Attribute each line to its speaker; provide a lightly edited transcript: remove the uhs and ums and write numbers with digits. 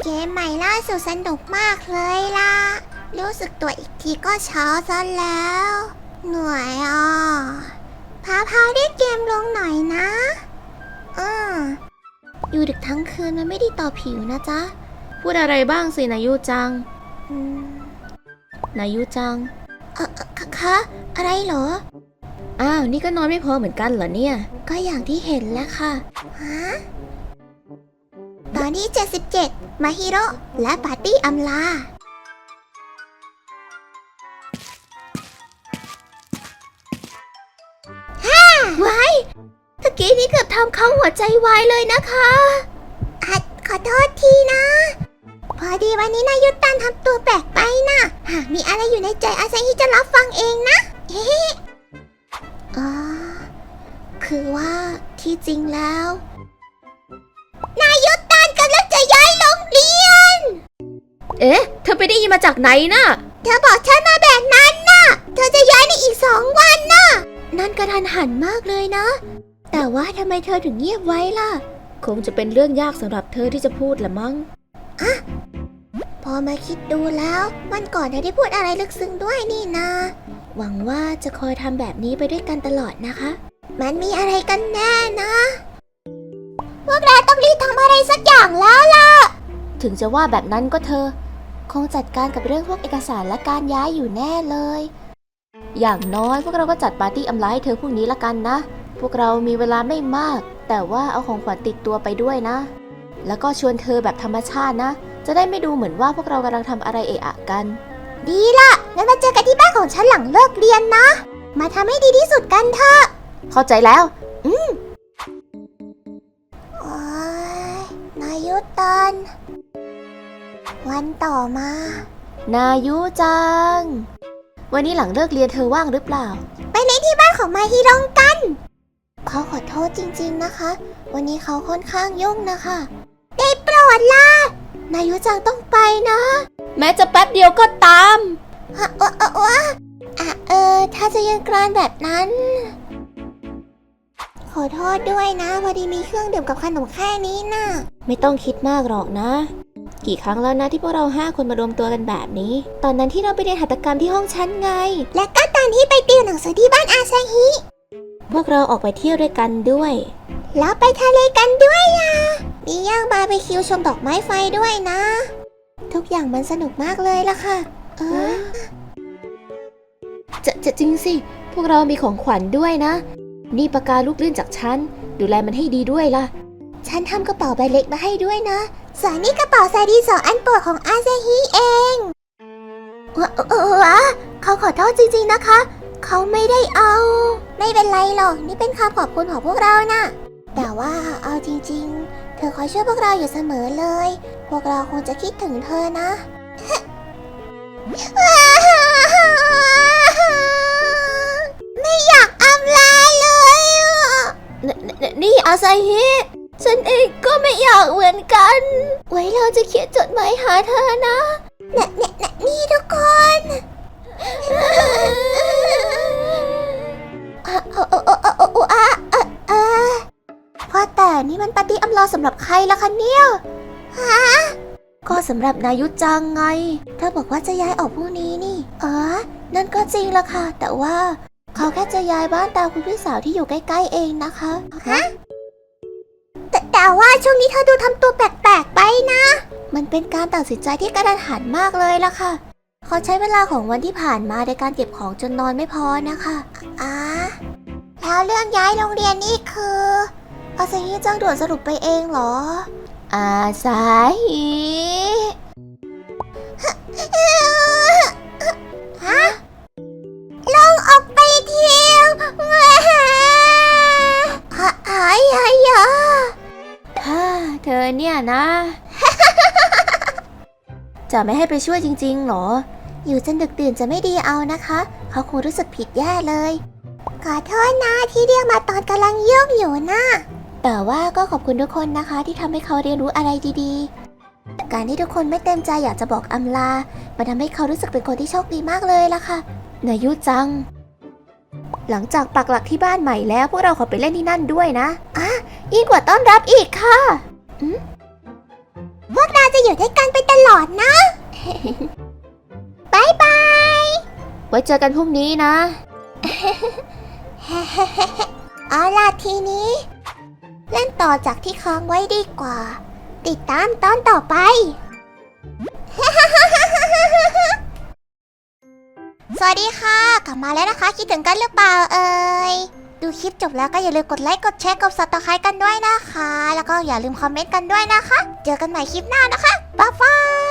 Speaker 1: เกมใหม่ล่าสุดสนุกมากเลยล่ะรู้สึกตัวอีกทีก็เช้าซะแล้วเหนื่อยพาได้เกมลงหน่อยนะอยู่ดึกทั้งคืนมันไม่ดีต่อผิวนะจ๊ะ
Speaker 2: พูดอะไรบ้างสินายุจังนายุจัง
Speaker 1: คะอะไรเหรอ
Speaker 2: อ้าวนี่ก็นอนไม่พอเหมือนกันเหรอเนี่ย
Speaker 1: ก็อย่างที่เห็นแหละค่ะฮะตอนที่77มาฮิโร่และปาร์ตี้อำลาไว้ตะกี้นี้เกือบทำเขาหัวใจวายเลยนะคะขอโทษทีนะพอดีวันนี้นายุตันทำตัวแปลกไปนะหากมีอะไรอยู่ในใจอาซาฮิจะรับฟังเองนะคือว่าที่จริงแล้วนายุตันกำลังจะย้ายโรงเรียน
Speaker 2: เธอไปได้ยินมาจากไหนน่ะ
Speaker 1: เธอบอกฉันมาแบบนั้นน่ะเธอจะย้ายในอีก2 วันน่ะนั่นกระทันหันมากเลยนะแต่ว่าทำไมเธอถึงเงียบไว้ล่ะ
Speaker 2: คงจะเป็นเรื่องยากสำหรับเธอที่จะพูดละมั้ง
Speaker 1: พอมาคิดดูแล้ววันก่อนเธอได้พูดอะไรลึกซึ้งด้วยนี่นะหวังว่าจะคอยทำแบบนี้ไปด้วยกันตลอดนะคะมันมีอะไรกันแน่นะพวกเราต้องรีบทำอะไรสักอย่างแล้วล่ะ
Speaker 2: ถึงจะว่าแบบนั้นก็เธอคงจัดการกับเรื่องพวกเอกสารและการย้ายอยู่แน่เลยอย่างน้อยพวกเราก็จัดปาร์ตี้อำลาให้เธอพรุ่งนี้ละกันนะพวกเรามีเวลาไม่มากแต่ว่าเอาของขวัญติดตัวไปด้วยนะแล้วก็ชวนเธอแบบธรรมชาตินะจะได้ไม่ดูเหมือนว่าพวกเรากำลังทำอะไรเอะอะกัน
Speaker 1: ดีล่ะงั้นมาเจอกันที่บ้านของฉันหลังเลิกเรียนนะมาทำให้ดีที่สุดกันเถอะ
Speaker 2: เข้าใจแล้ว
Speaker 1: นายุตันวันต่อมา
Speaker 2: นายุจังวันนี้หลังเลิกเรียนเธอว่างหรือเปล่า
Speaker 1: ไปเล่นที่บ้านของมาฮิโรงกันเขาขอโทษจริงๆนะคะวันนี้เขาค่อนข้างยุ่งนะคะได้โปรดล่ะนายุจังต้องไปนะ
Speaker 2: แม้จะแป๊บเดียวก็ตาม
Speaker 1: ถ้าจะยังกรานแบบนั้นขอโทษด้วยนะพอดีมีเครื่องดื่มกับขนมแค่นี้น่ะ
Speaker 2: ไม่ต้องคิดมากหรอกนะกี่ครั้งแล้วนะที่พวกเรา5 คนมารวมตัวกันแบบนี้ตอนนั้นที่เราไปเรียนหัตถกรรมที่ห้องฉันไง
Speaker 1: และก็ตอนที่ไปติวหนังสือที่บ้านอาซาฮิ
Speaker 2: พวกเราออกไปเที่ยวด้วยกันด้วย
Speaker 1: แล้วไปทะเลกันด้วยล่ะมีย่างบาร์บีคิวชมดอกไม้ไฟด้วยนะทุกอย่างมันสนุกมากเลยล่ะค่ะ
Speaker 2: จะจริงสิพวกเรามีของขวัญด้วยนะนี่ปากกาลูกลื่นจากฉันดูแลมันให้ดีด้วยล่ะ
Speaker 1: ฉันทำกระเป๋าใบเล็กมาให้ด้วยนะส่วนนี่กระเป๋าใส่ดินสออันโปรดของอาซาฮิเองเขาขอโทษจริงๆนะคะเขาไม่ได้เอาไม่เป็นไรหรอกนี่เป็นคำขอบคุณของพวกเรานะแต่ว่าเอาจริงๆเธอคอยช่วยพวกเราอยู่เสมอเลยพวกเราคงจะคิดถึงเธอนะไม่อยากอำลาเลย
Speaker 2: นี่อาซาฮิฉันเองก็ไม่อยากเหมือนกันไว้เราจะเขียนจดหมายหาเธอนะ
Speaker 1: นี่ทุกคนพอแต่นี่มันปาร์ตี้อำลาสำหรับใครล่ะคะเนี่ย
Speaker 2: ก็สำหรับนายุจังไง
Speaker 1: เธอบอกว่าจะย้ายออกพรุ่งนี้นี่นั่นก็จริงละค่ะแต่ว่าเขาแค่จะย้ายบ้านตามคุณพี่สาวที่อยู่ใกล้ๆเองนะคะแต่ว่าช่วงนี้เธอดูทำตัวแปลกๆไปนะมันเป็นการตัดสินใจที่กระทันหันมากเลยล่ะค่ะเขาใช้เวลาของวันที่ผ่านมาในการเก็บของจนนอนไม่พอนะคะแล้วเรื่องย้ายโรงเรียนนี่คืออาซาฮิจังด่วนสรุปไปเองเหรอ
Speaker 2: อาซาฮิ
Speaker 1: ลงออกไปเที่ยว
Speaker 2: เธอเนี่ยนะจะไม่ให้ไปช่วยจริงๆหรอ
Speaker 1: อยู่จนดึกดื่นจะไม่ดีเอานะคะเขาคงรู้สึกผิดแย่เลยขอโทษนะที่เรียกมาตอนกำลังยุ่งอยู่นะแต่ว่าก็ขอบคุณทุกคนนะคะที่ทำให้เขาเรียนรู้อะไรดีๆการที่ทุกคนไม่เต็มใจอยากจะบอกอำลามันทำให้เขารู้สึกเป็นคนที่โชคดีมากเลยล่ะค่ะ
Speaker 2: นายุจังหลังจากปักหลักที่บ้านใหม่แล้วพวกเราขอไปเล่นที่นั่นด้วยนะ
Speaker 1: ยิ่งกว่าต้อนรับอีกค่ะพวกเราจะอยู่ด้วยกันไปตลอดนะ บายบาย
Speaker 2: ไว้เจอกันพรุ่งนี้นะ
Speaker 1: เอาล่ะทีนี้ เล่นต่อจากที่ค้างไว้ดีกว่า ติดตามตอนต่อไป สวัสดีค่ะ กลับมาแล้วนะคะ คิดถึงกันหรือเปล่าเอ่ย ดูคลิปจบแล้วก็อย่าลืมกดไลค์ กดแชร์ กด Subscribe กันด้วยนะคะ แล้วก็อย่าลืมคอมเมนต์กันด้วยนะคะ เจอกันใหม่คลิปหน้านะคะ บ๊ายบาย